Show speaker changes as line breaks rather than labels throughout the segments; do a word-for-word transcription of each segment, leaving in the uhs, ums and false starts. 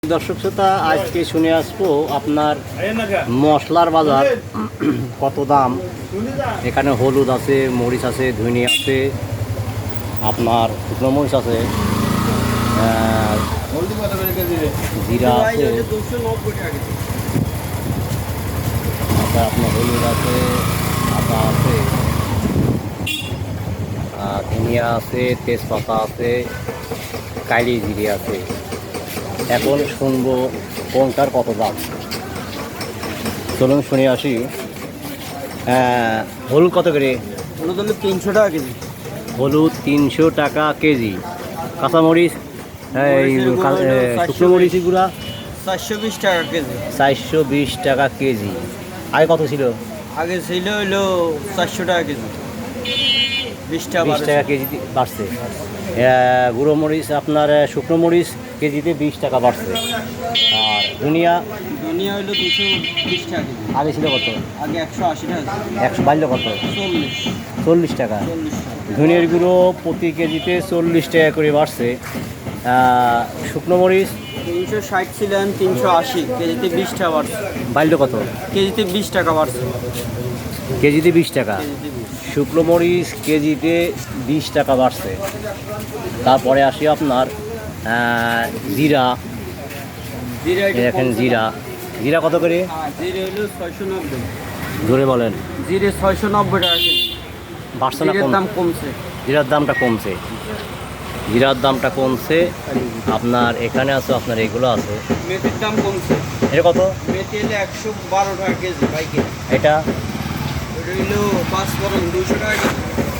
দর্শক শ্রোতা, আজকে শুনে আসবো আপনার মশলার বাজার কত দাম। এখানে হলুদ আছে, মরিচ আছে, ধনিয়া আছে, আপনার শুকনো মরিচ আছে, জিরা আছে, আপনার হলুদ আছে, আদা আছে, ধনিয়া আছে, তেজপাতা আছে, কালি জিরে আছে। এখন শুনবো কোনটার কত দাম। চলুন শুনে আসি। হলুদ কত করে?
হলুদ হলো তিনশো টাকা কেজি।
হলুদ তিনশো টাকা কেজি। কাঁচামরিচ, শুকনো মরিচ গুঁড়া
চারশো বিশ টাকা কেজি।
চারশো বিশ টাকা কেজি। আগে কত ছিল?
আগে ছিল হইলো চারশো টাকা কেজি, বিশ টাকা
বিশ টাকা কেজি বাড়ছে। গুঁড়ো মরিচ আপনার শুকনো মরিচ কেজিতে বিশ টাকা বাড়ছে। আর ধনিয়া
ধনিয়া হইলো দুশো বিশ টাকা কেজি।
আগে ছিল কত?
আগে একশো আশি টাকা।
একশো বাড়লো কত?
চল্লিশ
চল্লিশ টাকা।
চল্লিশ টাকা।
ধনিয়ার গুঁড়ো প্রতি কেজিতে চল্লিশ টাকা করে বাড়ছে। শুকনো মরিচ
তিনশো ষাট ছিলেন, তিনশো আশি, কেজিতে বিশ টাকা বাড়ছে।
বাড়লো কত?
কেজিতে বিশ টাকা বাড়ছে।
কেজিতে বিশ টাকা।
কেজিতে বিশ।
শুকনো মরিচ কেজিতে বিশ টাকা বাড়ছে। তারপরে আসি আপনার জিরা।
জিরা
দেখেন জিরা, জিরা কত করে?
জিরে হইলো ছয়শো নব্বই।
ধরে বলেন।
জিরে ছয়শো নব্বই টাকা কেজি।
বাড়ছে না?
জিরের দাম কমছে।
জিরার দামটা কমছে। জিরার দামটা কমছে। আপনার এখানে আছে, আপনার এগুলো আছে।
মেথির দাম কমছে।
এটা কত?
মেথি হলে একশো বারো টাকা কেজি বাইকে।
এটা
ওটা হইলো পাঁচ ফোড়ন দুশো টাকা কেজি।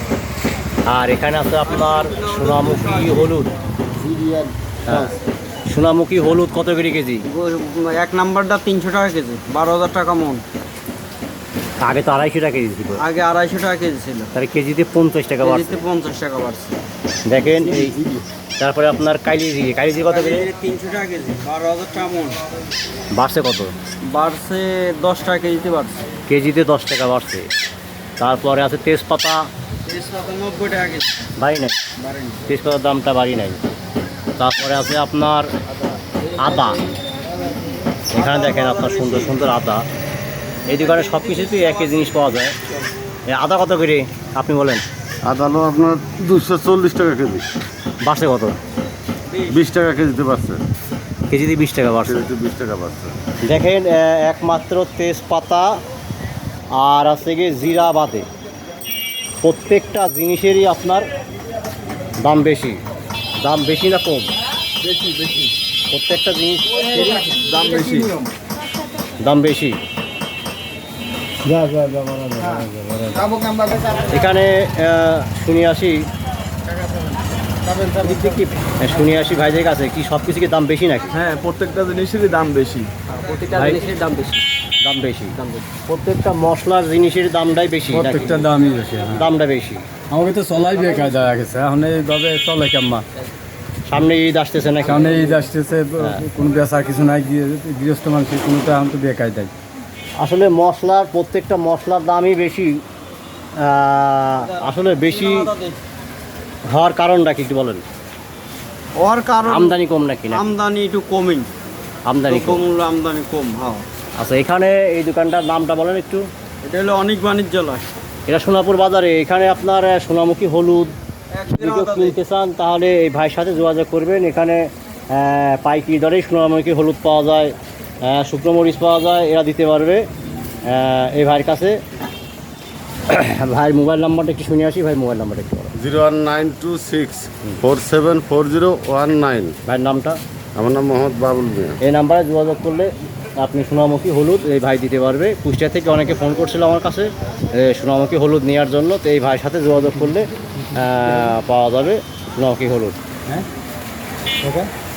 আর এখানে আছে আপনার সোনামুখী হলুদ। হ্যাঁ, সোনামুখী হলুদ কত করে কেজি?
এক নাম্বারটা তিনশো টাকা কেজি, বারো হাজার টাকা মন।
আগে তো আড়াইশো টাকা কেজি ছিল।
আগে আড়াইশো টাকা কেজি ছিল,
তাহলে কেজিতে পঞ্চাশ টাকা বাড়ছে।
কেজিতে পঞ্চাশ টাকা বাড়ছে।
দেখেন এই। তারপরে আপনার কালি জিরে, কালি জিরে কত করে?
তিনশো টাকা কেজি, বারো হাজার টাকা মন।
বাড়ছে কত?
বাড়ছে দশ টাকা কেজিতে বাড়ছে।
কেজিতে দশ টাকা বাড়ছে। তারপরে আছে তেজপাতা।
তেজপাতা নব্বই টাকা কেজি।
বাড়ি নাই,
বাড়েনি।
তেজপাতার দামটা বাড়ি নাই। তারপরে আছে আপনার আদা। এখানে দেখেন আপনার সুন্দর সুন্দর আদা। এই দোকানে সব কিছুতেই একই জিনিস পাওয়া যায়। আদা কত করে আপনি বলেন?
আদা হলো আপনার দুশো চল্লিশ টাকা কেজি।
বাড়ছে কত?
বিশ টাকা কেজিতে পাচ্ছে।
কেজিতে বিশ টাকা বাড়ছে।
কেজিতে বিশ টাকা পাচ্ছে।
দেখেন একমাত্র তেজপাতা আর আছে গিয়ে জিরা বাদে প্রত্যেকটা জিনিসেরই আপনার দাম বেশি। দাম বেশি না কম?
বেশি বেশি।
প্রত্যেকটা জিনিসেরই
দাম বেশি।
দাম বেশি। এখানে শুনে আসি শুনে আসি ভাইদের কাছে, কি সব কিছু কি দাম বেশি নাকি?
হ্যাঁ, প্রত্যেকটা জিনিসেরই দাম বেশি।
প্রত্যেকটা জিনিসের দাম বেশি।
দাম বেশি। প্রত্যেকটা মশলার জিনিসের দামটাই বেশি।
প্রত্যেকটা দামই বেশি।
দামটা বেশি।
আমাকে তো চলাই বেকার দেখা গেছে। এখন এইভাবে চলে কেমন?
সামনে ঈদ আসতেছে না?
সামনে ঈদ আসতেছে, কোনো বেচা কিছু নাই, গৃহস্থ মানুষের কোনোটা এখন তো বেকার দেয়।
আসলে মশলার প্রত্যেকটা মশলার দামই বেশি। আসলে বেশি হওয়ার কারণটা কি একটু বলেন?
ওর কারণ
আমদানি কম নাকি? না,
আমদানি একটু কমই।
আমদানি কম।
কম, আমদানি কম। হ্যাঁ।
আচ্ছা, এখানে এই দোকানটার নামটা বলেন একটু।
এটা হলো অনেক বাণিজ্যালয়।
এটা সোনাপুর বাজারে। এখানে আপনার সোনামুখী হলুদ যদি কেউ কিনতে চান তাহলে এই ভাইয়ের সাথে যোগাযোগ করবেন। এখানে পাইকারি দরেই সোনামুখী হলুদ পাওয়া যায়, শুকনো মরিচ পাওয়া যায়, এরা দিতে পারবে এই ভাইয়ের কাছে। ভাইয়ের মোবাইল নাম্বারটা একটু শুনে আসি। ভাই মোবাইল নাম্বারটা একটু বলেন।
Zero one nine two six four seven four zero one nine.
ভাইয়ের নামটা?
আমার নাম মোহাম্মদ বাবুল মিয়া।
এই নাম্বারে যোগাযোগ করলে আপনি সোনামুখী হলুদ এই ভাই দিতে পারবে। কুষ্টিয়া থেকে অনেকে ফোন করছিল আমার কাছে সোনামুখী হলুদ নেওয়ার জন্য। তো এই ভাইয়ের সাথে যোগাযোগ করলে পাওয়া যাবে সোনামুখী হলুদ। হ্যাঁ, ওকে।